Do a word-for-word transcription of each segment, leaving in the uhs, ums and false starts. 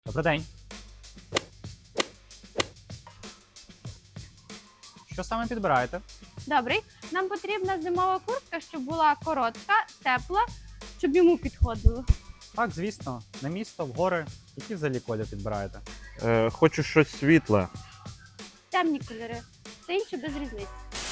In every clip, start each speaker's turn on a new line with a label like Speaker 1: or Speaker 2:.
Speaker 1: Добрий день. Що саме підбираєте?
Speaker 2: Добрий. Нам потрібна зимова куртка, щоб була коротка, тепла, щоб йому підходило.
Speaker 1: Так, звісно, на місто, в гори. Які взагалі колір підбираєте?
Speaker 3: Е, хочу щось світле.
Speaker 2: Темні кольори. Все інше без різниці.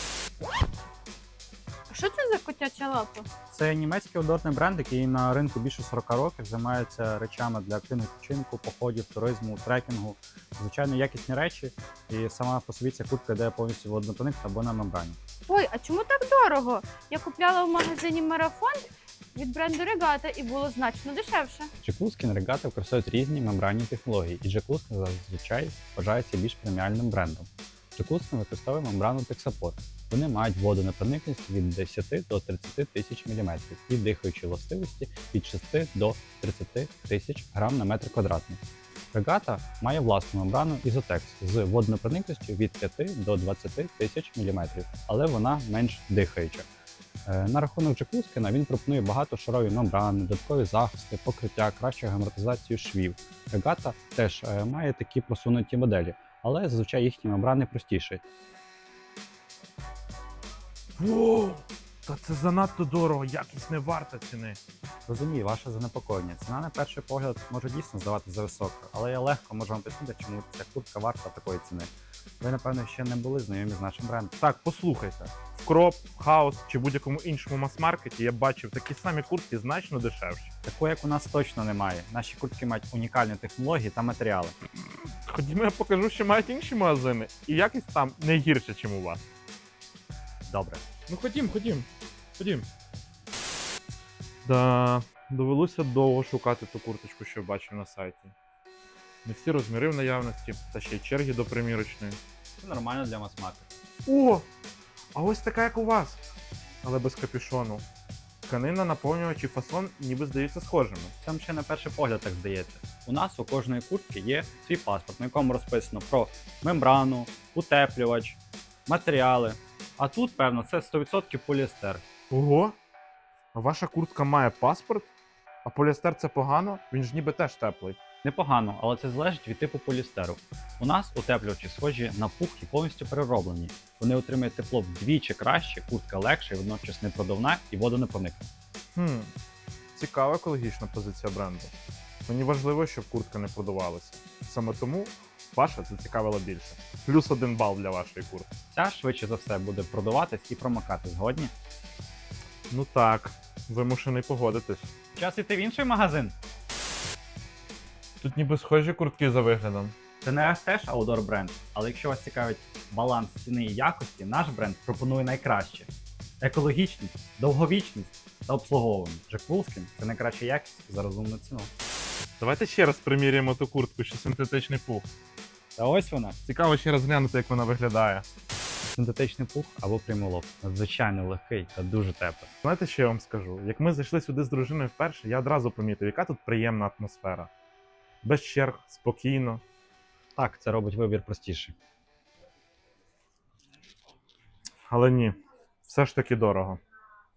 Speaker 2: А що це за котяча лапа?
Speaker 1: Це німецький одорний бренд, який на ринку більше сорока років займається речами для активного відпочинку, походів, туризму, трекінгу. Звичайно, якісні речі. І сама по собі ця куртка йде повністю водонепроникна або на мембрані.
Speaker 2: Ой, а чому так дорого? Я купляла в магазині Марафон від бренду Регата і було значно дешевше.
Speaker 1: Джеклускін регати використовують різні мембранні технології, і Джеклускін зазвичай вважається більш преміальним брендом. Джеклускін використовує мембрану Тексапор. Вони мають водонепроникність від десяти до тридцяти тисяч міліметрів і дихаючі властивості від шести до тридцяти тисяч грам на метр квадратний. Регата має власну мембрану Ізотекс з водонепроникністю від п'яти до двадцяти тисяч міліметрів, але вона менш дихаюча. На рахунок Джеклускіна він пропонує багатошарові мембрани, додаткові захисти, покриття, кращу герметизацію швів. Регата теж має такі просунуті моделі, але зазвичай їхні мембрани простіші.
Speaker 3: Воу! Та це занадто дорого, якість не варта ціни.
Speaker 1: Розумію, ваше занепокоєння. Ціна на перший погляд може дійсно здаватися за високою, але я легко можу вам пояснити, чому ця куртка варта такої ціни. Ви, напевно, ще не були знайомі з нашим брендом.
Speaker 3: Так, послухайте. В Кроп, Хаус чи будь-якому іншому мас-маркеті я бачив такі самі куртки значно дешевші.
Speaker 1: Такої, як у нас, точно немає. Наші куртки мають унікальні технології та матеріали.
Speaker 3: Ходімо, я покажу, що мають інші магазини, і якість там не гірше, ніж у вас.
Speaker 1: Добре.
Speaker 3: Ну ходім, ходім, ходім. Да, довелося довго шукати ту курточку, що бачив на сайті. Не всі розміри в наявності, та ще й черги до примірочної.
Speaker 1: Це нормально для мас-маркету.
Speaker 3: О! А ось така, як у вас, але без капюшону. Тканина, наповнювач і фасон ніби здаються схожими.
Speaker 1: Це ще на перший погляд так здається. У нас у кожної куртки є свій паспорт, на якому розписано про мембрану, утеплювач, матеріали. А тут, певно, це сто відсотків поліестер.
Speaker 3: Ого! А ваша куртка має паспорт? А поліестер це погано? Він ж ніби теж теплий.
Speaker 1: Непогано, але це залежить від типу поліестеру. У нас утеплювачі схожі на пух і повністю перероблені. Вони отримують тепло вдвічі краще, куртка легша і водночас непродувна і водонепроникна.
Speaker 3: Хм, цікава екологічна позиція бренду. Мені важливо, щоб куртка не продувалася. Саме тому ваша зацікавила більше. Плюс один бал для вашої куртки.
Speaker 1: Ця швидше за все буде продуватись і промокати. Згодні?
Speaker 3: Ну так, вимушений погодитись.
Speaker 1: Час іти в інший магазин.
Speaker 3: Тут ніби схожі куртки за виглядом.
Speaker 1: Це не теж аутдор бренд, але якщо вас цікавить баланс ціни і якості, наш бренд пропонує найкраще: екологічність, довговічність та обслуговування. Джеклускін – це найкраща якість за розумну ціну.
Speaker 3: Давайте ще раз приміряємо ту куртку, що синтетичний пух.
Speaker 1: Та ось вона.
Speaker 3: Цікаво ще раз глянути, як вона виглядає.
Speaker 1: Синтетичний пух або прямолов. Надзвичайно легкий та дуже теплий.
Speaker 3: Знаєте, що я вам скажу? Як ми зайшли сюди з дружиною вперше, я одразу помітив, яка тут приємна атмосфера. Без черг, спокійно.
Speaker 1: Так, це робить вибір простіший.
Speaker 3: Але ні, все ж таки дорого.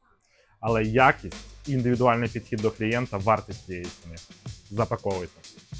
Speaker 3: Але якість і індивідуальний підхід до клієнта вартість цієї ціни. Запаковуйте.